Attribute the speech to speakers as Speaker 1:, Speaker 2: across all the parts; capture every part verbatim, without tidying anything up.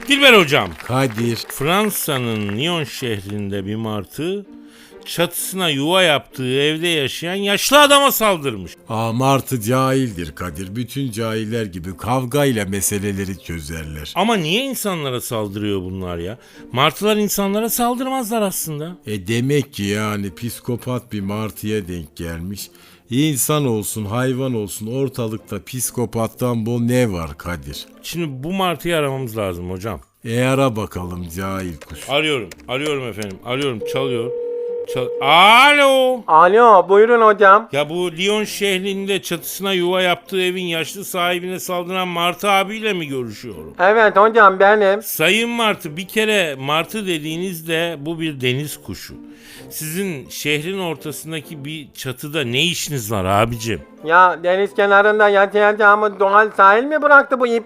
Speaker 1: Dilber hocam.
Speaker 2: Kadir.
Speaker 1: Fransa'nın Lyon şehrinde bir martı çatısına yuva yaptığı evde yaşayan yaşlı adama saldırmış.
Speaker 2: Aa, martı cahildir Kadir. Bütün cahiller gibi kavgayla meseleleri çözerler.
Speaker 1: Ama niye insanlara saldırıyor bunlar ya? Martılar insanlara saldırmazlar aslında.
Speaker 2: E demek ki yani psikopat bir martıya denk gelmiş. İnsan olsun hayvan olsun ortalıkta psikopattan bol ne var Kadir?
Speaker 1: Şimdi bu martıyı aramamız lazım hocam.
Speaker 2: E ara bakalım cahil kuş.
Speaker 1: Arıyorum, arıyorum efendim, arıyorum, çalıyor. Çal Alo.
Speaker 3: Alo, buyurun hocam.
Speaker 1: Ya bu Lyon şehrinde çatısına yuva yaptığı evin yaşlı sahibine saldıran Martı abiyle mi görüşüyorum?
Speaker 3: Evet hocam, benim.
Speaker 1: Sayın Martı, bir kere Martı dediğinizde bu bir deniz kuşu. Sizin şehrin ortasındaki bir çatıda ne işiniz var abicim?
Speaker 3: Ya deniz kenarında yaşayacağımız doğal sahil mi bıraktı bu ip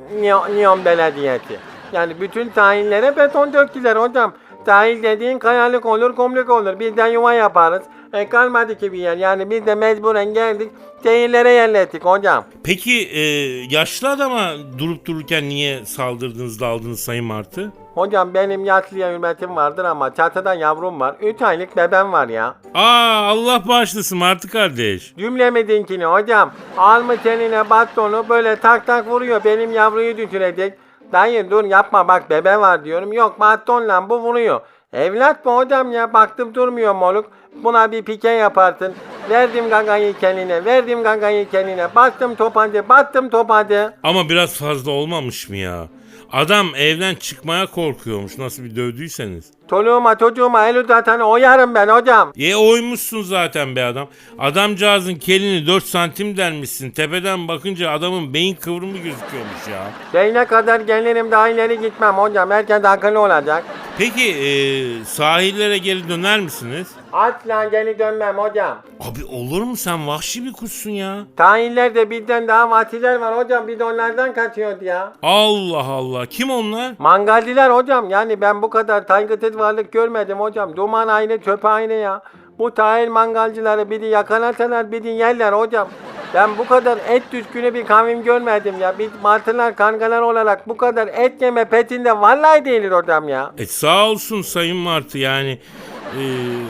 Speaker 3: Lyon Belediyesi? Yani bütün sahillere beton döktüler hocam. Sahil dediğin kayalık olur, kumluk olur. Biz de yuva yaparız. E kalmadı ki bir yer. Yani biz de mecburen geldik. Şehirlere yerleştik hocam.
Speaker 1: Peki e, yaşlı adama durup dururken niye saldırdınız, daldınız Sayın Martı?
Speaker 3: Hocam benim yaşlıya hürmetim vardır ama çatıda yavrum var. üç aylık bebem var ya.
Speaker 1: Aa, Allah bağışlasın Martı kardeş.
Speaker 3: Cümlemizinkini hocam. Almış eline bastonu böyle tak tak vuruyor. Benim yavruyu düşürecek. Dayı dur yapma bak bebe var diyorum. Yok bastonla bu vuruyor. Evlat bu hocam ya, baktım durmuyor moruk. Buna bir pike yaparsın. Verdim gagayı kendine, verdim gagayı kendine. Bastım topancı, bastım topancı.
Speaker 1: Ama biraz fazla olmamış mı ya? Adam evden çıkmaya korkuyormuş nasıl bir dövdüyseniz.
Speaker 3: Çoluğuma çocuğuma el uzatan oyarım ben hocam.
Speaker 1: E oymuşsun zaten be adam. Adamcağızın kelini dört santim delmişsin. Tepeden bakınca adamın beyin kıvrımı gözüküyormuş ya.
Speaker 3: Şeyine kadar gelirim daha ileri gitmem hocam. Herkes akıllı olacak.
Speaker 1: Peki e, sahillere geri döner misiniz?
Speaker 3: Asla geri dönmem hocam.
Speaker 1: Abi olur mu, sen vahşi bir kuşsun ya.
Speaker 3: Tahillerde bizden daha vatiler var hocam. Biz onlardan kaçıyoruz ya.
Speaker 1: Allah Allah, kim onlar?
Speaker 3: Mangalciler hocam. Yani ben bu kadar saygısız varlık görmedim hocam. Duman aynı, çöp aynı ya. Bu tahil mangalcıları biri yakalarsalar biri yerler hocam. Ben bu kadar et düşkünü bir kavim görmedim ya. Biz martılar, kangalar olarak bu kadar et yeme petinde vallahi değiliz hocam ya.
Speaker 1: E sağ olsun Sayın Martı yani. E,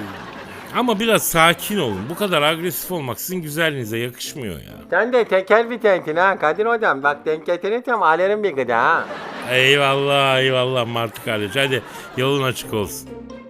Speaker 1: ama biraz sakin olun. Bu kadar agresif olmak sizin güzelliğinize yakışmıyor ya.
Speaker 3: Sen de teker vitensin ha Kadir hocam. Bak denk getirirsem alırım bir gıda ha.
Speaker 1: Eyvallah eyvallah Martı kardeş. Hadi yolun açık olsun.